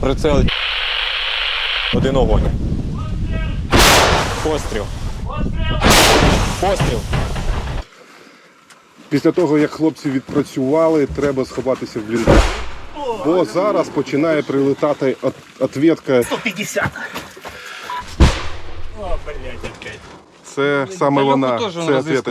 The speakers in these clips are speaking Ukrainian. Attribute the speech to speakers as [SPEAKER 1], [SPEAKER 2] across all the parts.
[SPEAKER 1] Прицел. Один огонь. Постріл. Постріл.
[SPEAKER 2] Після того, як хлопці відпрацювали, треба сховатися в бліндаж. Бо зараз починає прилетати ответка.
[SPEAKER 3] 150. О, блядь, опять.
[SPEAKER 2] Це саме вона, це ответка.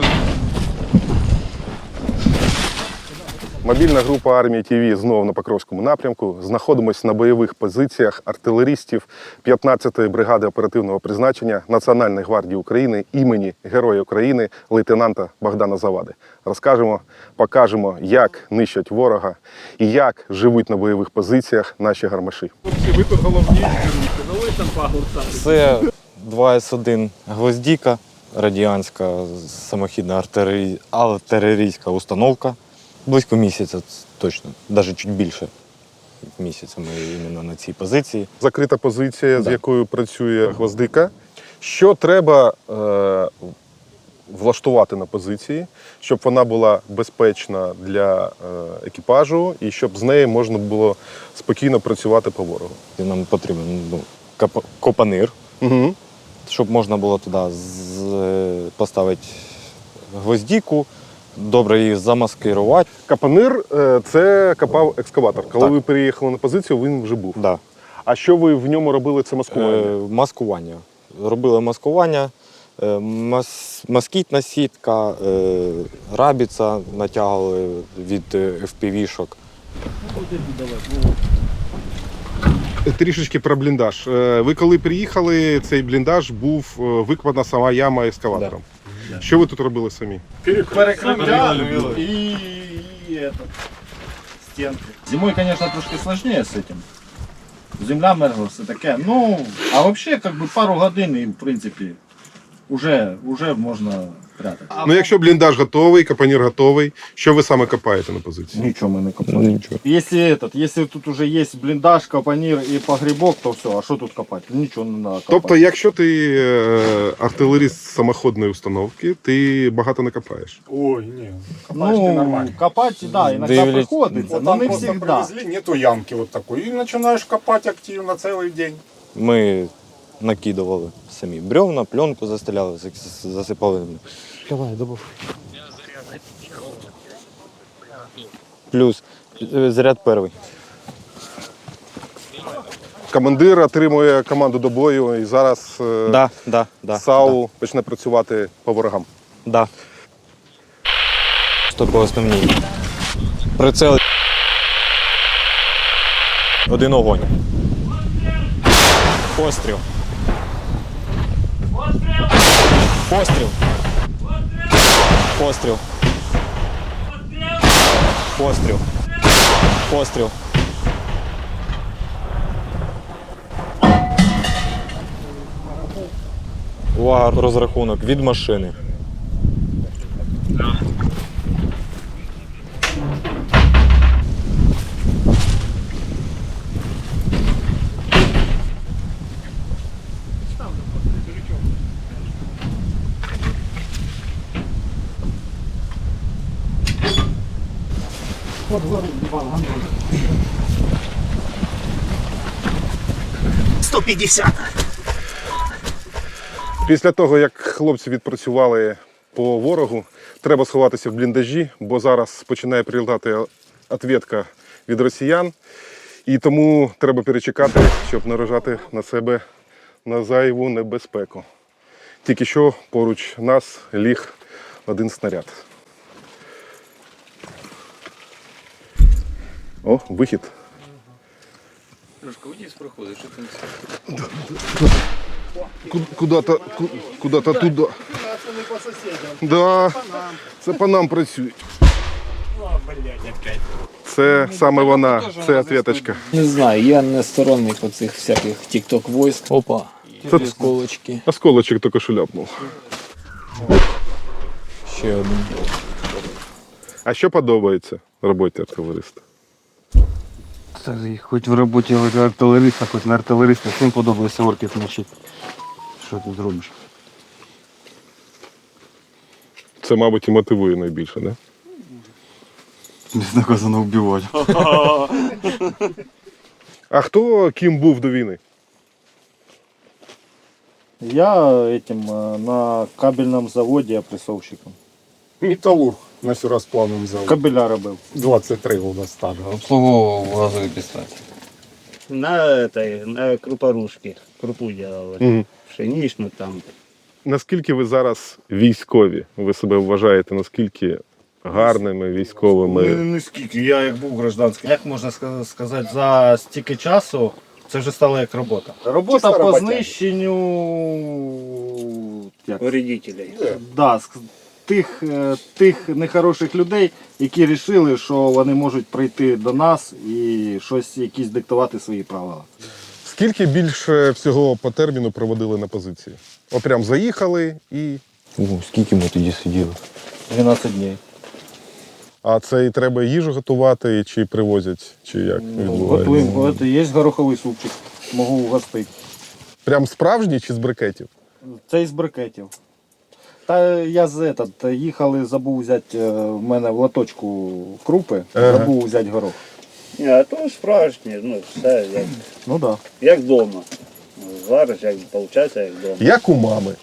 [SPEAKER 2] Мобільна група армії ТВ знову на Покровському напрямку. Знаходимося на бойових позиціях артилерістів 15-ї бригади оперативного призначення Національної гвардії України імені Героя України лейтенанта Богдана Завади. Розкажемо, покажемо, як нищать ворога і як живуть на бойових позиціях наші гармаші.
[SPEAKER 3] Ви тут головні.
[SPEAKER 1] Це 2С1 гвоздіка, радянська самохідна артилерійська установка. Близько місяця точно, навіть чуть більше місяця ми іменно на цій позиції.
[SPEAKER 2] Закрита позиція, з якою працює гвоздика. Що треба влаштувати на позиції, щоб вона була безпечна для екіпажу і щоб з нею можна було спокійно працювати по ворогу?
[SPEAKER 1] Нам потрібен копанир, щоб можна було туди поставити гвоздіку, добре її замаскирувати.
[SPEAKER 2] Капанир – це копав екскаватор. Коли
[SPEAKER 1] Так.
[SPEAKER 2] ви приїхали на позицію, він вже був.
[SPEAKER 1] Да.
[SPEAKER 2] А що ви в ньому робили? Це маскування?
[SPEAKER 1] Маскування. Робили маскування, москітна сітка, рабіця натягували від FPV-шок.
[SPEAKER 2] Трішечки про бліндаж. Ви коли приїхали, цей бліндаж був викопана сама яма ескаватором.
[SPEAKER 1] Да.
[SPEAKER 2] Що ви тут робили самі?
[SPEAKER 3] Перекриття і стінки.
[SPEAKER 4] Зимой, конечно, трошки сложнее с этим. Земля мерзла, все таке. Ну, а вообще, как бы пару годин і, в принципі, уже можна прятати.
[SPEAKER 2] Ну, якщо бліндаж готовий, капанір готовий, що ви саме копаєте на позиції?
[SPEAKER 4] Нічого ми не копали.
[SPEAKER 1] Нічого.
[SPEAKER 4] Если тут уже є бліндаж, капонір і погрібок, то все, а що тут копати? Нічого не треба копати.
[SPEAKER 2] Тобто, якщо ти артилеріст самоходної установки, ти багато не копаєш?
[SPEAKER 3] Ой, ні. Копаєш ти нормально.
[SPEAKER 4] копати, да, іноді
[SPEAKER 1] Дивлять.
[SPEAKER 4] приходиться,
[SPEAKER 3] Вот
[SPEAKER 4] но
[SPEAKER 3] там
[SPEAKER 4] не
[SPEAKER 3] просто
[SPEAKER 4] всегда.
[SPEAKER 3] привезли, нету ямки вот такой. И начинаешь копать активно целый день.
[SPEAKER 1] Ми накидували самі бревна, пленку застеляли, засипали. Плюс заряд перший.
[SPEAKER 2] Командир отримує команду до бою і зараз
[SPEAKER 1] Да.
[SPEAKER 2] САУ почне працювати по ворогам.
[SPEAKER 1] Да. Що по основній? Прицел. Один огонь. Постріл. Постріл. Постріл. Постріл. Постріл. Увага, розрахунок від машини.
[SPEAKER 2] Після того, як хлопці відпрацювали по ворогу, треба сховатися в бліндажі, бо зараз починає прилітати ответка від росіян. І тому треба перечекати, щоб наражати на себе на зайву небезпеку. Тільки що поруч нас ліг один снаряд. О, вихід.
[SPEAKER 5] Трошки вниз проходиш, що там?
[SPEAKER 2] Куда-то туди.
[SPEAKER 3] Це не по сусідям.
[SPEAKER 2] Да, це по нам працюють.
[SPEAKER 3] О, блядь, опять.
[SPEAKER 2] Це саме вона, це ответочка.
[SPEAKER 5] Не знаю, я не сторонник оцих всяких тік-ток войск. Опа,
[SPEAKER 2] Це
[SPEAKER 5] осколочки.
[SPEAKER 2] осколочок тільки що ляпнув.
[SPEAKER 1] Ще один.
[SPEAKER 2] А що подобається роботі артилериста?
[SPEAKER 6] Хоч в роботі артилериста, хоч не артилериста, всім подобається орків нищити. Що ти зробиш?
[SPEAKER 2] Це, мабуть, і мотивує найбільше, не?
[SPEAKER 6] Безнаказано вбивати.
[SPEAKER 2] А хто ким був до війни?
[SPEAKER 4] Я на кабельному заводі опресовщиком.
[SPEAKER 3] Металлург на сюрасплавному заводі.
[SPEAKER 4] Кабеля робив.
[SPEAKER 3] 23 у нас стажа.
[SPEAKER 6] Обслуговував газові підстанції.
[SPEAKER 7] На крупорушке. Крупу делали.
[SPEAKER 2] Угу.
[SPEAKER 7] Пшеничную там.
[SPEAKER 2] Наскільки ви зараз військові? Ви себе вважаєте наскільки гарними військовими?
[SPEAKER 4] Не скільки, я як був гражданським. Як можна сказати, за стільки часу це вже стало як робота. Робота
[SPEAKER 3] Чисто
[SPEAKER 4] по
[SPEAKER 3] роботяги.
[SPEAKER 4] знищенню
[SPEAKER 7] Вредителей.
[SPEAKER 4] да, тих нехороших людей, які вирішили, що вони можуть прийти до нас і щось, якісь диктувати свої правила.
[SPEAKER 2] Скільки більше всього по терміну проводили на позиції? От прям заїхали і.
[SPEAKER 1] Скільки ми тоді сиділи?
[SPEAKER 4] 12 днів.
[SPEAKER 2] А це і треба їжу готувати, чи привозять, чи як відбувається?
[SPEAKER 4] Готуємо, є гороховий супчик, можу угостити.
[SPEAKER 2] Прям справжній чи з брикетів?
[SPEAKER 4] Це із брикетів. Та я їхали, забув взяти в мене в лоточку крупи, забув взяти горох.
[SPEAKER 7] Ні, а то справжнє, ну все як,
[SPEAKER 4] Ну так.
[SPEAKER 7] як вдома. Звариш, як виходить, як вдома.
[SPEAKER 2] Як у мами.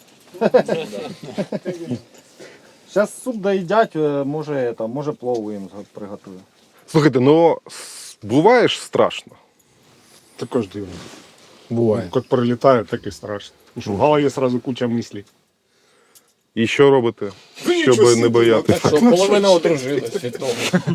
[SPEAKER 4] Зараз суп доїдять, може плову їм приготую.
[SPEAKER 2] Слухайте, ну буває ж страшно.
[SPEAKER 3] Також дивно. Буває. Як прилітає, так і страшно. Що в голові одразу куча мислей.
[SPEAKER 2] І що робите, щоб не боятися?
[SPEAKER 5] Що половина одружилась від того.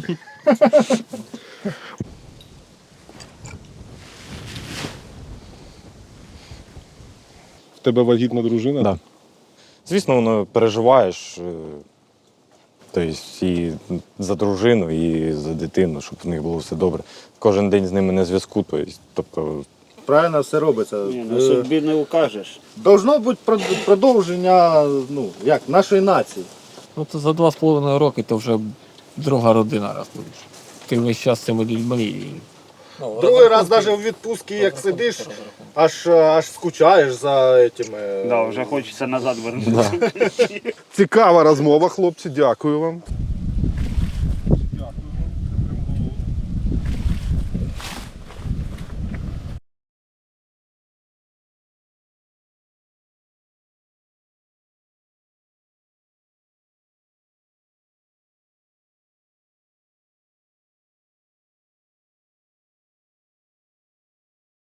[SPEAKER 2] В тебе вагітна дружина?
[SPEAKER 1] Да. Звісно, воно переживаєш. Тобто і за дружину, і за дитину, щоб в них було все добре. Кожен день з ними на зв'язку. Тобто,
[SPEAKER 4] Правильно все робиться.
[SPEAKER 7] Ні, на собі не укажеш.
[SPEAKER 4] Должно бути продовження нашої нації.
[SPEAKER 5] Ну то за 2,5 роки то вже друга родина раз будеш. Ти весь час з цими людьми.
[SPEAKER 4] Другий раз навіть у відпустці, як сидиш, аж скучаєш за цими.
[SPEAKER 7] Да, вже хочеться назад вернутися.
[SPEAKER 2] Цікава розмова, хлопці, дякую вам.